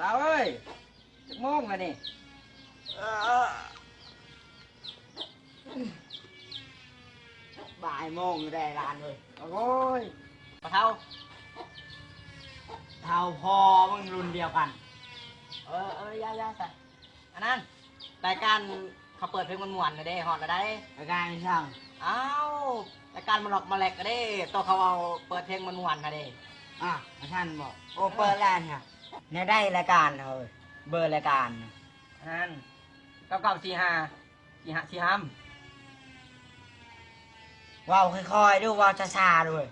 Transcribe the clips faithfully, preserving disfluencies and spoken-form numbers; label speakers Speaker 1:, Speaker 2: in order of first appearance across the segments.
Speaker 1: สาวเอ้ยจะมองมานี่บ่ายโมงได้ร้านเลยโอ้ยปะเท่าเท่าพอมึงรุ่นเดียวกันเออเออย่าย่าใส่อันนั้นรายการเขาเปิดเพลงมันม่วนๆก็ได้ฮอตก็ได้รายการช่างอ้าวรายการมันหลอกมาแหลกก็ได้ตัวเขาเอาเปิดเพลงมันม่วนๆก็ได้อ่ะท่านบอกโอ้เปิดแล้วเนี่ยเนี่ยได้รายการเลยเบอร์รายการนั่นเก้าเก้าสี่ห้าสี่ห้าสี่ห้าว้าวค่อยๆดูว้าวช้าๆด้วย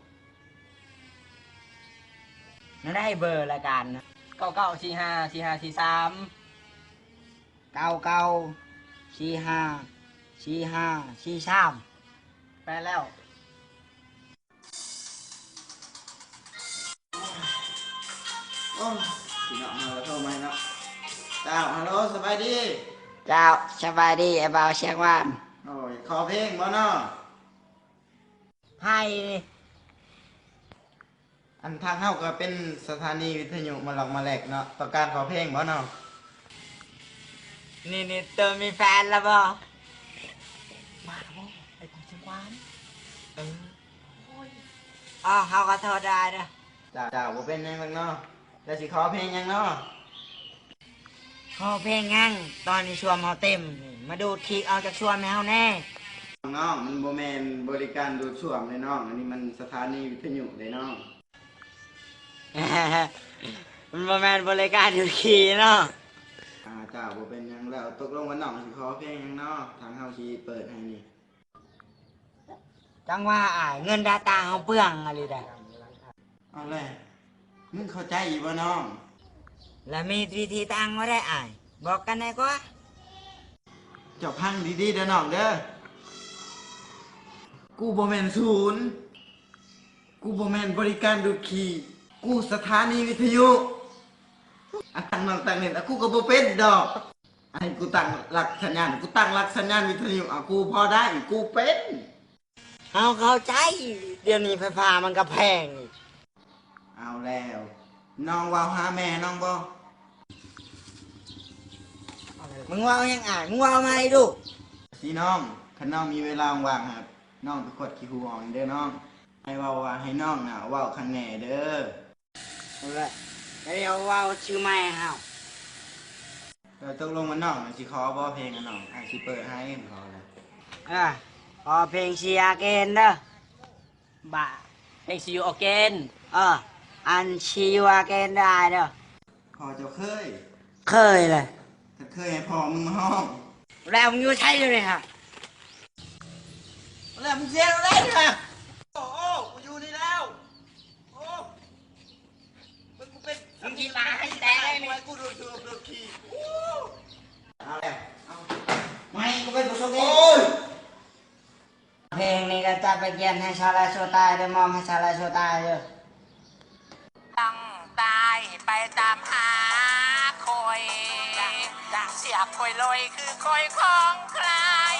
Speaker 1: นั่นได้เบอร์รายการนะเก้าเก้าสี่ห้าสี่ห้าสี่สามเก้าเก้าสี่ห้าสี่ห้าสี่สามแปลแล้ว
Speaker 2: โอ้พี่น้องมาแล้วโทรมาเนาะเจ้าฮัลโหลสบายดี
Speaker 1: เจ้าสบายดีไอ้บ่าวเชียงว่าน
Speaker 2: โอ้ยขอเพลงบ่เนาะ
Speaker 1: ไพ่
Speaker 2: อันทางเฮาก็เป็นสถานีวิทยุมาหลอกมาแหลกเนาะต้องการขอเพลงบ่เนาะ
Speaker 1: นี่นี่เติมมีแฟนแล้วบ่มาแล้วบ่ไอ้ของเชียงว่านเออโอ้ยอ๋อเฮาก็โทษได้เด้อ
Speaker 2: เจ้าเจ้าบ่เป็นหยังหรอกเนาะแล้วสิขอเพลงหยังเนาะ
Speaker 1: ขอเพลงงั้งตอนนี้ชวนเฮาเต็มมาดูทีเอาจากชวนแมวแน่
Speaker 2: น้องมันบ่แม่นบริการดูดซ่วมเลยน้องอันนี้มันสถานีวิทยุเลยน้อง
Speaker 1: มันบ่แม่นบริการอยู่ขี่เนาะ
Speaker 2: อ่าเจ้าบ่เป็นหยังแล้วตกลงว่าน้องสิขอเพลงหยังเนาะทางเฮาสิเปิดให้นี่
Speaker 1: จังว่าอ้ายเงินดาตาเฮาเปลืองอะไรได้
Speaker 2: เอาเลยมึงเข้าใจอีบ่น้อง
Speaker 1: แล้วมีวิธีตังบ่ได้อ้ายบอกกันได้กว่า
Speaker 2: เจ้าพังดีๆเด้อน้องเด้อกูบ่แม่นศูนย์กูบ่แม่นบริการดูดขี่กูสถานีวิทยุอันตั้งน้องตั้งเน็ตกูก็บ่เป็นดอกอันกูตั้งหลักสัญญาณกูตั้งหลักสัญญาณวิทยุอ่ะกูพอได้กูเป็น
Speaker 1: เฮาเข้าใจเดี๋ยวนี้ไฟฟ้ามันก็แพงอีก
Speaker 2: เอาแล้วน้องว่าหาแม่น้องบ่
Speaker 1: มึงว่ายังอ่านมึงว่ามาให้ดู
Speaker 2: สิน้องคันน้องมีเวลาว่างครับน้องไปกดขี้หูออกเด้อน้องให้เว้าว่าให้น้องน่ะเว้าข้างแหน่เด้อ
Speaker 1: เอาละเดี๋ยวว่าชื่อแม่เฮา
Speaker 2: เราตกลงว่าน้องสิขอบ่เพลงอ่ะน้องอ่ะสิเปิดให้ขอแล้ว
Speaker 1: อ่ะขอเพลงเชียร์เกนเด้อบ่าเพลงซีอูอเกนเอออันชีวาเกนได้เด้อ
Speaker 2: พอเจ้าเคย
Speaker 1: เคยเลย
Speaker 2: ถ้าเคยให้พ่อมึงมาห้อง
Speaker 1: แล้วมึงอยู่ใช่เลยฮะ
Speaker 2: แล้วมึงเสียอะไรเนี่ยโอ้โอ้กูอยู่นี่แล้วโอ้มึงกูเป็น
Speaker 1: มึงกินมาให้แต่ได้ไหม
Speaker 2: กูดูดูดูขี้เอาแล้วเอาไม่กูเป็นผู้โชคดีโอ้ย
Speaker 1: เพลงนี้ก็จะไปเกียนให้ชาลาโชตายเลยมอมให้ชาลาโชตายเลย
Speaker 3: ตั้งตายไปตามหาคอยเสียคอยลอยคือคอยของใคร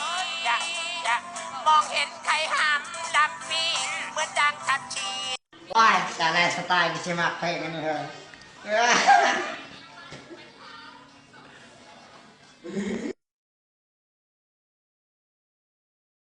Speaker 3: มองเห็นใครหำดำปีเหมือนดังทัดชี
Speaker 1: ว้ายชาลาโชตายกิชิมักเพลงกันเลย